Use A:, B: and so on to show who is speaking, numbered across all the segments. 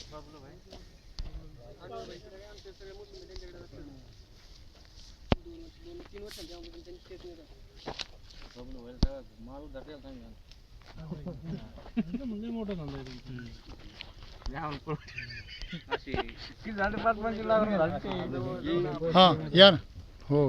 A: हां या ना हो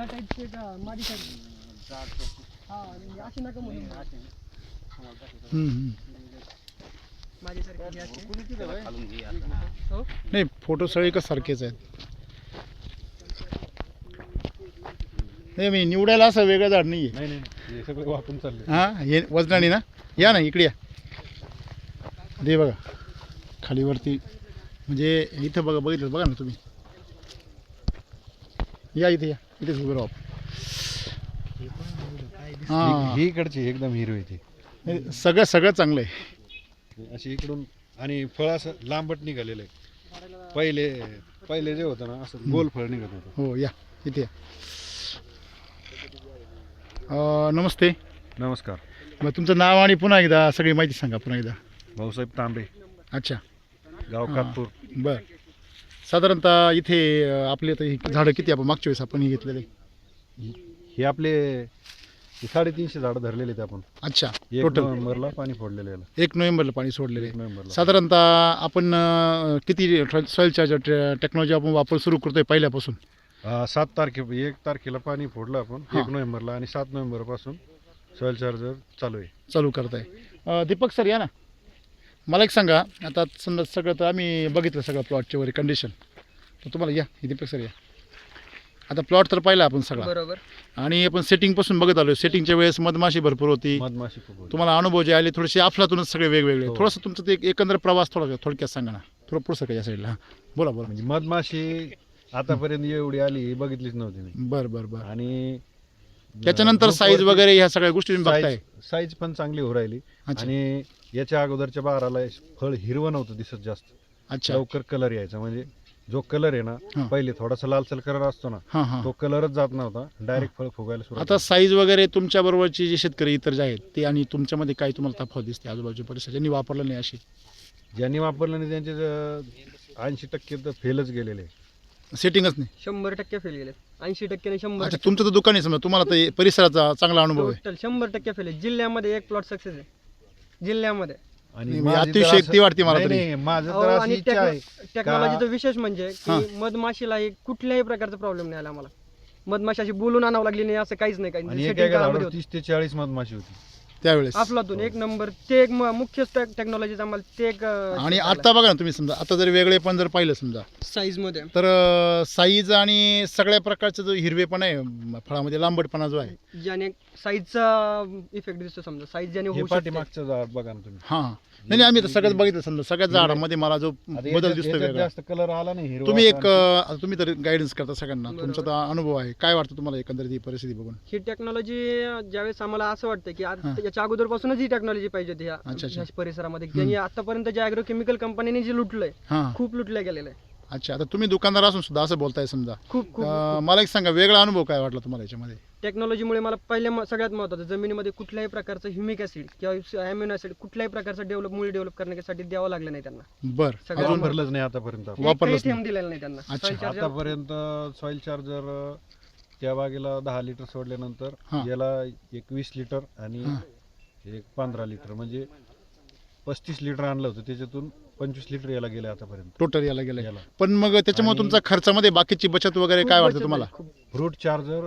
A: नाही फोटो सगळे का सारखेच आहेत. नाही मी निवडायला असं वेगळं झाड नाही आहे.
B: नाही सगळं वाकून चालले.
A: हां हे वजनाने ना या ना इकडे या दे बघा खालीवरती म्हणजे इथं बघा बघितलं बघा ना तुम्ही या इथे इथेच उभे राहू. हां
B: ही इकडची एकदम हिरवी ती
A: सगळं चांगलं आहे.
B: अशी इकडून आणि फळ असं लांबट निघालेलं आहे. पहिले जे होतं ना असं गोल फळ निघत होतं.
A: हो या इथे या. नमस्ते.
B: नमस्कार.
A: मग तुमचं नाव आणि पुन्हा एकदा सगळी माहिती सांगा पुन्हा एकदा.
B: भाऊसाहेब तांबे,
A: अच्छा
B: गाव कातपूर.
A: बरं साधारणतः इथे आपले आता ही झाडं किती आपण मागच्या वेळेस आपण हे घेतलेले.
B: हे आपले 350 झाडं धरलेले आहेत आपण.
A: अच्छा
B: 1
A: टोटल
B: नोव्हेंबरला पाणी फोडलेलं आहे.
A: 1 नोव्हेंबरला पाणी सोडलेले.
B: 1 नोव्हेंबरला
A: साधारणतः आपण किती सॉईल चार्जर टेक्नॉलॉजी आपण वापर सुरू करतोय पहिल्यापासून.
B: 1 तारखेला पाणी फोडलं आपण 1 नोव्हेंबरला आणि 7 नोव्हेंबरपासून सॉईल चार्जर चालू
A: करताय. दीपक सर या ना. मला एक सांगा आता समजा सगळं तर आम्ही बघितलं सगळं प्लॉटच्या वगैरे कंडिशन तर तुम्हाला या दीपक सर या. आता प्लॉट तर पाहिला आपण सगळा
C: बरोबर
A: आणि आपण सेटिंगपासून बघत आलो. सेटिंगच्या वेळेस मधमाशी भरपूर होती.
B: मधमाशी खूप होती.
A: तुम्हाला अनुभव जे आले थोडेसे अफलातूनच सगळे वेगवेगळे.
B: हो.
A: थोडंसं तुमचं ते एकंदर प्रवास थोडक्यात सांगा ना. थोडं पुढचं का या साईडला. हां बोला
B: म्हणजे मधमाशी आतापर्यंत एवढी आली ही बघितलीच नव्हती मी.
A: बरं
B: आणि
A: त्याच्यानंतर साईज वगैरे ह्या सगळ्या गोष्टी तुम्ही बघताय.
B: साईज पण चांगली हो राहिली.
A: अच्छा.
B: आणि याच्या अगोदरच्या बाराला फळ हिरवं नव्हतं दिसत जास्त.
A: अच्छा
B: लवकर कलर यायचा म्हणजे जो कलर आहे
A: हां.
B: ना पहिले थोडासा लालसर कलर असतो ना
A: हां हां.
B: तो कलरच जात नव्हता. डायरेक्ट फळ फुगायला सुरुवात
A: आता साईज वगैरे तुमच्या बरोबरचे जे शेतकरी इतर जे आहेत ते आणि तुमच्यामध्ये काय तुम्हाला तफावत दिसते आजूबाजूच्या परिसरात ज्यांनी वापरलं नाही अशी.
B: ज्यांनी वापरलं नाही त्यांचे 80% तर फेलच गेलेले.
A: सेटिंगच नाही.
C: 100% फेल गेले. 80% आणि 100%.
A: अच्छा तुमचं तर दुकान आहे समजा तुम्हाला तर परिसराचा चांगला अनुभव आहे.
C: टोटल 100% फेल आहे. जिल्ह्यामध्ये एक प्लॉट सक्सेस आहे जिल्ह्यामध्ये.
A: आणि
B: माझी तर
A: अतिशयोक्ती वाटते मला
B: नाही,
A: तरी.
B: नाही, माझं
C: अहो,
B: तर अशी
C: आणि
B: इच्छा आहे
C: टेक्नॉलॉजीचा विशेष म्हणजे
A: हां.
C: की मधमाशीला कुठल्याही प्रकारचा प्रॉब्लेम नाही आला आम्हाला. मधमाशी अशी बोलून आणावं लागली नाही असं काहीच नाही.
B: आणि
C: काही
B: एका
C: setting काळामध्ये
B: झाडावर
C: होतं.
B: 30 ते 40 मधमाशी होती
A: त्यावेळेस
C: अफलातून 1 नंबर. ते एक मुख्य टेक्नॉलॉजीचा आम्हाला ते एक
A: आणि आता बघा ना तुम्ही समजा आता जर वेगळे पण जर पाहिलं समजा
C: साईज मध्ये
A: तर साईज आणि सगळ्या प्रकारचा जो हिरवेपणा आहे फळामध्ये लांबटपणा जो आहे
C: ज्याने साईजचा इफेक्ट दिसतो. समजा साईज ज्याने
B: हे
C: होऊ शकते.
B: पाठीमागचं झाड बघा ना तुम्ही.
A: हां नाही आम्ही तर सगळ्यात बघितलं समजा सगळ्याच झाडामध्ये मला जो
B: आता
A: बदल
B: याच्यात-
A: दिसतो
B: याच्यात
A: वेगळा.
B: जास्त कलर आला नाही हिरवा.
A: तुम्ही एक
B: आता
A: आता तुम्ही तर गायडन्स करता सगळ्यांना तुमचा तर अनुभव आहे. काय वाटतं तुम्हाला एकंदरीत ही परिस्थिती बघून.
C: ही टेक्नॉलॉजी ज्यावेळेस आम्हाला असं वाटतं की
A: हां.
C: याच्या अगोदरपासूनच ही टेक्नॉलॉजी पाहिजे होती
A: अच्छा, अच्छा.
C: ह्या परिसरामध्ये. ज्यांनी आतापर्यंत जे अॅग्रोकेमिकल कंपनीने जे लुटलंय
A: हां
C: खूप लुटलं गेलेलं आहे.
A: अच्छा आता तुम्ही दुकानदार असून सुद्धा असं बोलताय समजा
C: खूप खूप
A: मला एक सांगा वेगळा अनुभव काय वाटला तुम्हाला याच्यामध्ये.
C: टेक्नॉलॉजीमुळे मला सगळ्यात महत्त्वाचं जमिनीमध्ये कुठल्याही प्रकारचं ह्युमिक ऍसिड किंवा अॅमिनो ऍसिड कुठल्याही प्रकारचं डेव्हलप करण्यासाठी द्यावं लागलं नाही त्यांना.
A: बरं
C: सगळं
A: अजून
B: भरलंच नाही आतापर्यंत.
A: वापरलंच
C: एकही थेंब
A: नाही.
C: दिलेला नाही त्यांना.
A: अच्छा.
C: Soil charger
B: आतापर्यंत सॉइल चार्जर त्या बागेला 10 लिटर सोडल्यानंतर
A: हां.
B: याला एक 20 लिटर आणि
A: हां.
B: एक 15 लिटर म्हणजे 35 लिटर आणलं होतं त्याच्यातून 25 लिटर याला गेले आतापर्यंत.
A: टोटल याला गेलंय.
B: याला
A: पण मग त्याच्यामुळे
B: आणि-
A: तुमचा खर्चामध्ये बाकीची बचत वगैरे
C: खूप
A: काय
C: बचत
A: वाटतं
C: आहे,
A: तुम्हाला.
C: खूप.
B: फ्रूट चार्जर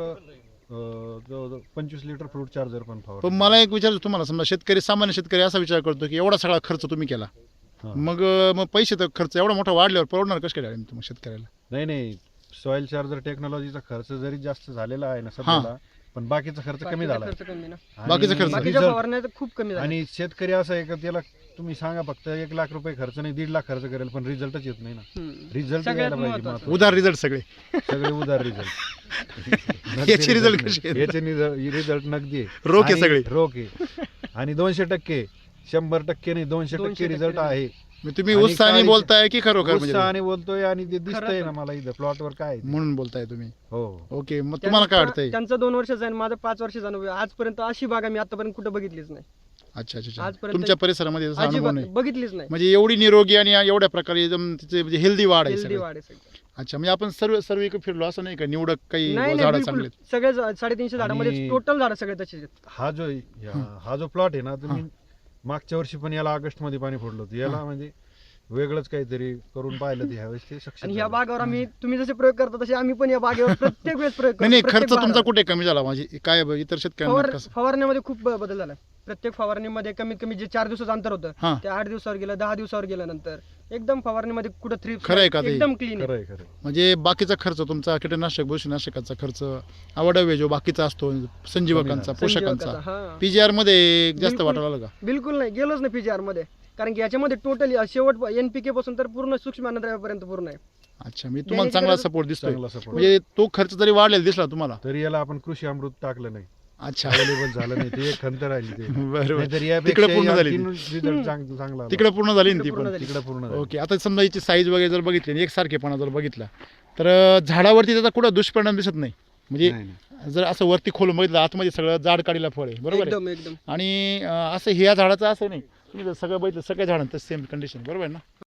B: जवळजवळ 25 लिटर फ्रूट चार्जर पण
A: पण
B: फवारलं.
A: मला एक विचारायचं तुम्हाला समजा सामान्य शेतकरी असा विचार करतो की एवढा सगळा खर्च तुम्ही केला
B: हां.
A: मग पैसे तर खर्च एवढा मोठा वाढल्यावर परवडणार कसं काय मग शेतकऱ्याला.
B: नाही सॉइल चार्जर टेक्नॉलॉजीचा खर्च जरी जास्त झालेला आहे ना सध्याला पण बाकीचा खर्च कमी
C: बाकीचा
B: झाला.
C: खर्च कमी ना.
B: आणि
A: बाकीचा खर्च.
C: बाकीच्या
B: result-
C: फवारण्या तर खूप कमी झाल्या.
B: आणि शेतकरी असं आहे का त्याला तुम्ही सांगा फक्त 1 लाख रुपये खर्च नाही 1.5 लाख खर्च करेल पण रिझल्टच येत नाही ना.
C: हम्म.
B: रिझल्ट
C: सगळ्यात
B: यायला पाहिजे
C: महत्त्वाचं.
B: महत्त्वाचं.
A: उधार रिझल्ट सगळे
B: सगळे उधार रिझल्ट
A: याचे result कसे आहेत?
B: याचे रिझल्ट नगदी आहे.
A: रोख आहे
B: आणि
A: सगळे.
B: रोख आहे आणि 200% 100% नाही 200% रिझल्ट आहे.
A: मग तुम्ही
B: आणि
A: उत्साहाने
B: काळी-
A: बोलताय की खरोखर म्हणजे
B: उत्साहाने बोलतोय आणि ते दिसतंय
C: खरंच.
B: ना मला इथं प्लॉटवर काय आहे ते.
A: म्हणून बोलताय तुम्ही.
B: हो
A: ओके मग तुम्हाला काय वाटतंय.
C: त्यांचं 2 वर्षाचं आहे आणि माझं 5 वर्षाचं अनुभव आहे. आजपर्यंत अशी बाग मी आतापर्यंत कुठं बघितलीच नाही.
A: अच्छा अच्छा अच्छा.
C: आजपर्यंत
A: तुमच्या परिसरामध्ये तसा अनुभव
C: अजिबात
A: नाही
C: बघितलीच नाही.
A: म्हणजे एवढी निरोगी आणि एवढ्या प्रकारे एकदम तिचे म्हणजे हेल्दी वाढ आहे
C: हेल्दी
A: सगळी.
C: वाढ आहे सगळं.
A: अच्छा म्हणजे आपण सर्व इकडे फिरलो असं नाही का निवडक काही
C: नाही नाही
A: झाडं
C: बिलकुल
A: चांगले
C: सगळे 350 झाडामध्ये
B: आणि-
C: टोटल झाडं सगळे तसेच आहेत.
B: हा जो प्लॉट आहे ना तुम्ही मागच्या वर्षी पण याला ऑगस्ट मध्ये पाणी फोडलं होतं याला म्हणजे वेगळंच काहीतरी करून पाहिलं ते ह्यावेळेस ते सक्सेस
C: आणि ह्या बागावर आम्ही तुम्ही जसे प्रयोग करता तसे आम्ही पण या बागेवर प्रत्येक वेळेस प्रयोग
A: नाही नाही
C: करतो.
A: खर्च
C: प्रत्येक
A: तुमचा
C: बहारावर.
A: कुठे कमी झाला म्हणजे काय इतर शेतकऱ्यांना कसं
C: फवारण्यामध्ये खूप बदल झाला. प्रत्येक फवारणीमध्ये कमीत कमी जे 4 दिवसाचं अंतर होतं
A: हा
C: ते 8 दिवसावर गेलं, 10 दिवसावर गेलं. नंतर एकदम फवारणीमध्ये कुठं थ्रिप्स
A: खरं आहे का ते?
C: एकदम क्लीन आहे.
B: खरंय खरंय
A: म्हणजे बाकीचा खर्च तुमचा कीटकनाशक बुरशीनाशकाचा खर्च आवडवे जो बाकीचा असतो संजीवकांचा पोषकांचा
C: संजीवकाचा, हा.
A: पीजीआर मध्ये जास्त
C: बिलकुल.
A: वाटायला लागला का
C: बिलकुल नाही गेलोच नाही पीजीआर मध्ये, कारण की याच्यामध्ये टोटली शेवट एनपीके पासून तर पूर्ण सूक्ष्म अन्नद्रव्यापर्यंत पूर्ण आहे.
A: अच्छा मी तुम्हाला
C: देण्याची
A: चांगला
C: गरज-
A: सपोर्ट दिसतोय
B: चांगला सपोर्ट
A: म्हणजे तो खर्च जरी वाढलेला दिसला तुम्हाला
B: तरी याला आपण कृषी अमृत टाकलं नाही
A: अच्छा
B: अवेलेबल झालं नाही ते एक खंत राहिली ते
A: बरोबर
B: नाहीतर
A: तिकडे
B: यापेक्षा
A: पूर्ण
B: या
A: झाली
B: तीन result चांगला आला.
A: तिकडे पूर्ण झाली ना ती
C: पूर्ण
A: पण
C: झाली.
B: तिकडे पूर्ण झाली.
A: ओके आता समजा याची साईज वगैरे जर बघितली आणि एकसारखेपणा जर बघितला तर झाडावरती त्याचा कुठं दुष्परिणाम दिसत नाही म्हणजे
B: नाही, नाही.
A: जर असं वरती खोलून बघितलं आतमध्ये सगळं जाड काढीला फळ आहे बरोबर आहे
C: एकदम एकदम
A: आणि असं ह्या झाडाचं असं नाही तुम्ही जर सगळं बघितलं सगळ्या झाडांचं सेम कंडिशन बरोबर आहे ना